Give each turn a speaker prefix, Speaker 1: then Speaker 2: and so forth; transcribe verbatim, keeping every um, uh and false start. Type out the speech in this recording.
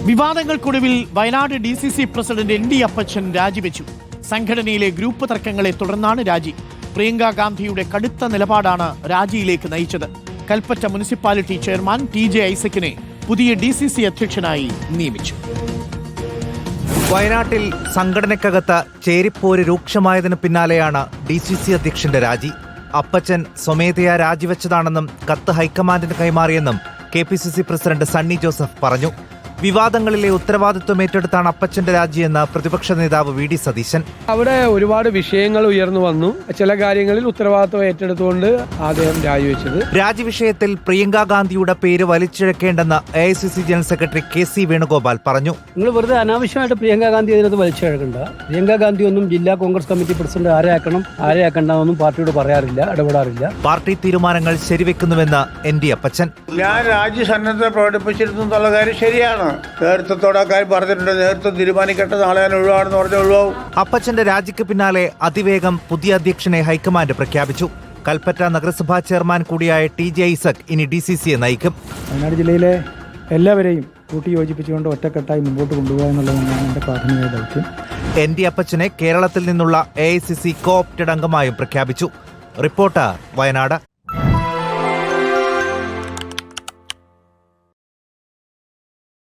Speaker 1: വിവാദങ്ങൾക്കൊടുവിൽ Wayanad D C C president N D Appachan രാജിവെച്ചു. സംഘടനയിലെ group തർക്കങ്ങളെ തുടർന്നാണ് രാജി. പ്രിയങ്ക ഗാന്ധിയുടെ കടുത്ത നിലപാടാണ് രാജിയിലേക്ക് നയിച്ചത്. Kalpetta municipality chairman T J ഐസക്കിനെ പുതിയ ഡി സി സി അധ്യക്ഷനായി നിയമിച്ചു.
Speaker 2: വയനാട്ടിൽ സംഘടനയ്ക്കകത്ത് ചേരിപ്പോര് രൂക്ഷമായതിനു പിന്നാലെയാണ് ഡി സി സി അധ്യക്ഷന്റെ രാജി. അപ്പച്ചൻ സ്വമേധയാ രാജിവെച്ചതാണെന്നും കത്ത് ഹൈക്കമാൻഡിന് കൈമാറിയെന്നും K P C C president Sunny Joseph പറഞ്ഞു. വിവാദങ്ങളിലെ ഉത്തരവാദിത്വം ഏറ്റെടുത്താണ് അപ്പച്ചന്റെ രാജിയെന്ന് പ്രതിപക്ഷ നേതാവ് വി ഡി സതീശൻ.
Speaker 3: അവിടെ ഒരുപാട് വിഷയങ്ങൾ ഉയർന്നു വന്നു. ചില കാര്യങ്ങളിൽ ഉത്തരവാദിത്വം ഏറ്റെടുത്തുകൊണ്ട് അദ്ദേഹം രാജിവെച്ചത്.
Speaker 2: രാജി വിഷയത്തിൽ പ്രിയങ്ക ഗാന്ധിയുടെ പേര് വലിച്ചിഴക്കേണ്ടെന്ന് A I C C general secretary K C Venugopal പറഞ്ഞു.
Speaker 4: നിങ്ങൾ വെറുതെ അനാവശ്യമായിട്ട് പ്രിയങ്ക ഗാന്ധി അതിനകത്ത് വലിച്ചിഴക്കണ്ട. പ്രിയങ്ക ഗാന്ധി ഒന്നും ജില്ലാ കോൺഗ്രസ് കമ്മിറ്റി പ്രസിഡന്റ് ആരെയാക്കണം ആരെയാക്കണ്ടെന്നൊന്നും പാർട്ടിയോട് പറയാറില്ല, ഇടപെടാറില്ല.
Speaker 2: പാർട്ടി തീരുമാനങ്ങൾ ശരിവെക്കുന്നുവെന്ന് എൻ ഡി അപ്പച്ചൻ.
Speaker 5: ഞാൻ രാജ്യസന്നദ്ധത പ്രകടിപ്പിച്ചിരുന്നു എന്നുള്ള കാര്യം ശരിയാണ്. നേതൃത്വത്തോട് ആ കാര്യം പറഞ്ഞിട്ടുണ്ട്. നേതൃത്വം തീരുമാനിക്കട്ടെ, നാളെ ഞാൻ ഒഴിവാണെന്ന് പറഞ്ഞാൽ ഒഴിവാകും.
Speaker 2: അപ്പച്ചന്റെ രാജിക്ക് പിന്നാലെ അതിവേഗം പുതിയ അധ്യക്ഷനെ ഹൈക്കമാൻഡ് പ്രഖ്യാപിച്ചു. കൽപ്പറ്റ നഗരസഭാ ചെയർമാൻ കൂടിയായ ടി ജെ ഐസക് ഇനി ഡി സി സിയെ നയിക്കും.
Speaker 6: വയനാട് ജില്ലയിലെ എല്ലാവരെയും കൂട്ടി യോജിപ്പിച്ചുകൊണ്ട് ഒറ്റക്കെട്ടായി മുമ്പോട്ട് കൊണ്ടുപോകുക എന്നുള്ളതാണ് എൻ്റെ പ്രാഥമിക ദൗത്യം.
Speaker 2: എൻ ഡി അപ്പച്ചനെ കേരളത്തിൽ നിന്നുള്ള A I C C co opted അംഗമായും പ്രഖ്യാപിച്ചു. റിപ്പോർട്ടർ വയനാട്.